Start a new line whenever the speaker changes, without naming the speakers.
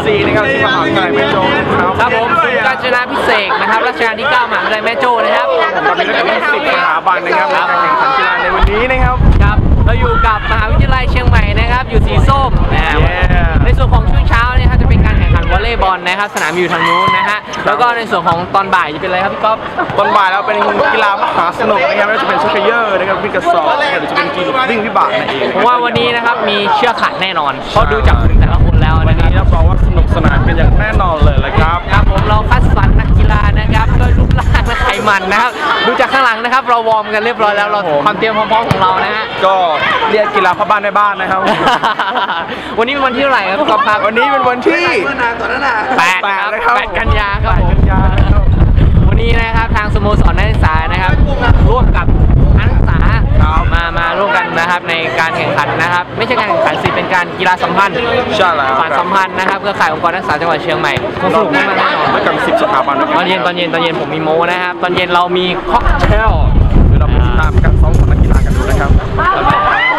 4นะครับที่มหาวิทยาลัยแม่โจ้
ครับผมการชนะพิเศษนะครับรัชกาลที่9มหาวิทยาลัยแม่โจ้นะครับ
ตอนนี้ก็เป็น10สถาบันนะครับในการแข่งขันกีฬาในวันนี้นะครับ
ครับเราอยู่กับมหาวิทยาลัยเชียงใหม่นะครับอยู่สีส้มในส่วนของช่วงเช้าเนี่ยครับจะเป็นการแข่งขันวอลเลย์บอลนะครับสนามอยู่ทางนู้นนะฮะแล้วก็ในส่วนของตอนบ่ายจะเป็นอะไรครับพี่ก๊อฟ
ตอนบ่ายแล้วเป็นกีฬามหาสนุกนะครับไม่ว่าจะเป็นชักเขย่อนะครับวิ่งกระสอบหรือจะเป็นกีฬาวิ่งวิบากนั่นเอง
ผมว่าวันนี้นะครับมีเชือกขัดแน่นอนเพราะดูจากแต่ละคนแล้ว
วันนี้รับรองว่าสนุกสนานกันอย่างแน่นอนเลยครับ
ครับผมเราคัดสรรนักกีฬานะครับด้วยรูปร่างและไขมันนะครับดูจากข้างหลังนะครับเราวอร์มกันเรียบร้อยแล้วเราความเตรียมพร้อมของเรานะฮะ
ก็เรียกกีฬาพ่อบ้านในบ้านนะครับ
วันนี้เป็นวันที่เท่าไหร่ครับก๊อฟครับ
วันนี้เป็นวันที่
8 กันยาครับผมวันนี้นะครับทางสโมสรนักศึกษานะครับร่วมกับนักศึกษามาร่วมกันนะครับในการแข่งขันนะครับไม่ใช่การแข่งขันสิเป็นการกีฬาสัมพันธ์
ใช่แล้ว
สารสัมพันธ์นะครับเครือข่ายองค์กรนักศึกษาจังหวัดเชียงใหม่สนุกมากแน่นอน
ด้วยกัน10สถาบัน
ตอนเย็นผมมีโม้นะครับตอนเย็นเรามีค็อกเทล
เราไปติดตามการซ้อมของนักกีฬากันดูนะครับ